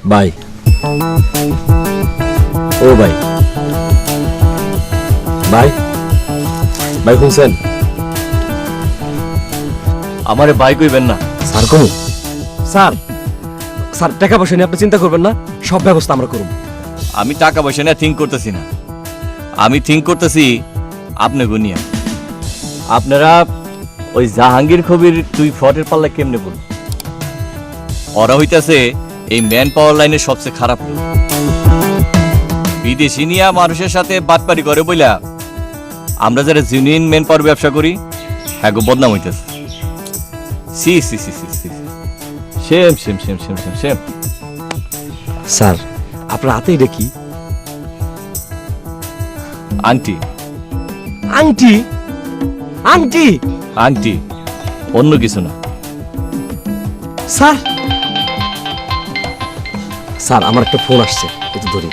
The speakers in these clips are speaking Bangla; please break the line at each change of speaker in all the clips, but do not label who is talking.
ভাই ও ভাই ভাই ভাই শুনছেন?
আমারে ভাই কইবেন না।
স্যার কোন স্যার স্যার টাকা পয়সা নিয়ে আপনি চিন্তা করবেন না, সব ব্যবস্থা আমরা করব।
আমি টাকা পয়সা নিয়ে থিঙ্ক করতেছি না, আমি থিঙ্ক করতেছি আপনি গুনিয়া আপনারা ওই জাহাঙ্গীর কবির দুই ফটের পাল্লা কেমনে বলুন? ওরা হইতাছে এই ম্যান পাওয়ার লাইনের সবচেয়ে খারাপ লোক। বিদেশি নিয়া মানুষের সাথে বাটপারি করে বইলা আমরা যারা জেনুইন ম্যান পাওয়ার ব্যবসা করি হ্যাঁ বদনাম হইতেছে। সি সি সি সি সি same same same same same same.
Sir আপনার হাতে এটা কি?
আংটি।
আংটি? আংটি?
আংটি, অন্য কিছু না।
স্যার স্যার আমার একটা ফোন আসছে, একটু ধরি।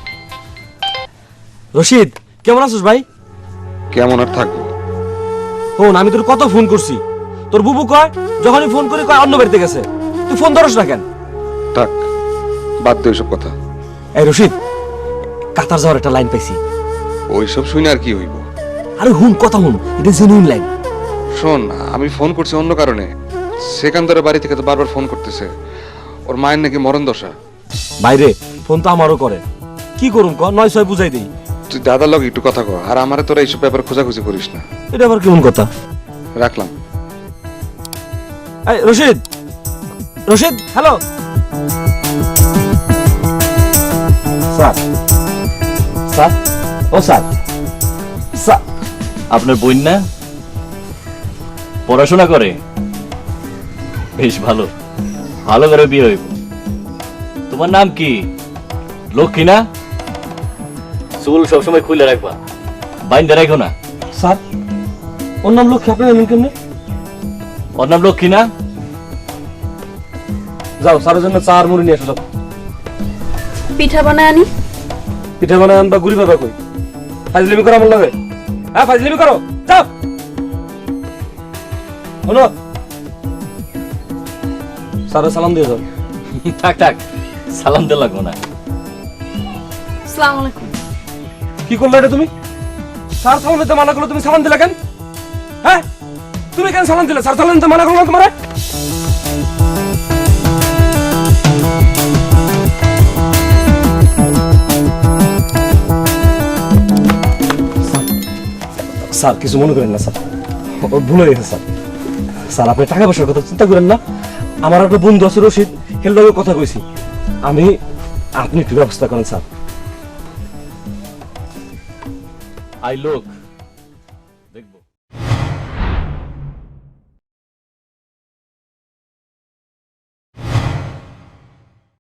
রশিদ কেমন আছিস ভাই?
কেমন আর থাকবো?
ফোন আমি তোর কত ফোন করছি, তোর বুবু কয় যখনই ফোন করি কয় অন্য বাড়িতে গেছে, তুই ফোন ধরস না কেন?
থাক, বাদ দে ওইসব কথা।
এই রশিদ, কাতার যাওয়ার একটা লাইন পাইছি।
ওইসব শুনে আর কি হইব?
আরে হুন, কথা হুন, এটা জেনুইন লাইন।
শোন, আমি ফোন করছি অন্য কারণে। সেকান্দরের বাড়ি থেকে তো বারবার ফোন করতেছে, ওর মায়ের নাকি মরণ দশা।
বাইরে ফোন তো আমারও করে, কি করুম ক, 9-6 বুঝাই দেই।
তুই দাদার লগে একটু কথা কর, আর আমারে তোরা এইসব ব্যাপারে খোঁজাখুঁজি করিস না।
এটা আবার কেমন কথা?
রাখলাম।
এই Rashid, Rashid hello. Sir sir ও স্যার স্যার
আপনার বোন না পড়াশোনা করে? বেশ ভালো, ভালো করে বিয়ে হইব। তোমার নাম কি? লক্ষ্মী না? চুল সবসময় খুলে রাখবা, বাইন্দা রাখো না।
স্যার ওর নাম লক্ষ্মী, আপনার এমন কেমনে?
ওর নাম লক্ষ্মী না?
যাও স্যারের জন্য চা আর মুড়ি নিয়ে আসো।
পিঠা বানায় আনি।
পিঠা বানায় আনবা, গুড়ি বাবা কই? ফাজলিমি করো আমার লাগে, হ্যাঁ ফাজলিমি করো, যাও। শোনো, স্যারের সালাম দিয়ে যাও।
থাক থাক, সালাম দিয়ে লাগবো না।
আসসালামু আলাইকুম।
কি করলে এটা তুমি? স্যার সালাম দিতে মানা করলো, তুমি সালাম দিলে কেন? হ্যাঁ তুমি কেন সালাম দিলে? স্যার সালাম দিতে মানা করলো তোমার? স্যার কিছু মনে করেন না স্যার, ওর ভুল হয়ে গেছে স্যার। স্যার আপনি টাকা পয়সার কথা চিন্তা করেন না, আমার একটা বন্ধু আছে রশিদ, হেলদাকে কথা কইছি আমি, আপনি একটু ব্যবস্থা করেন স্যার।
আই লোক দেখবো।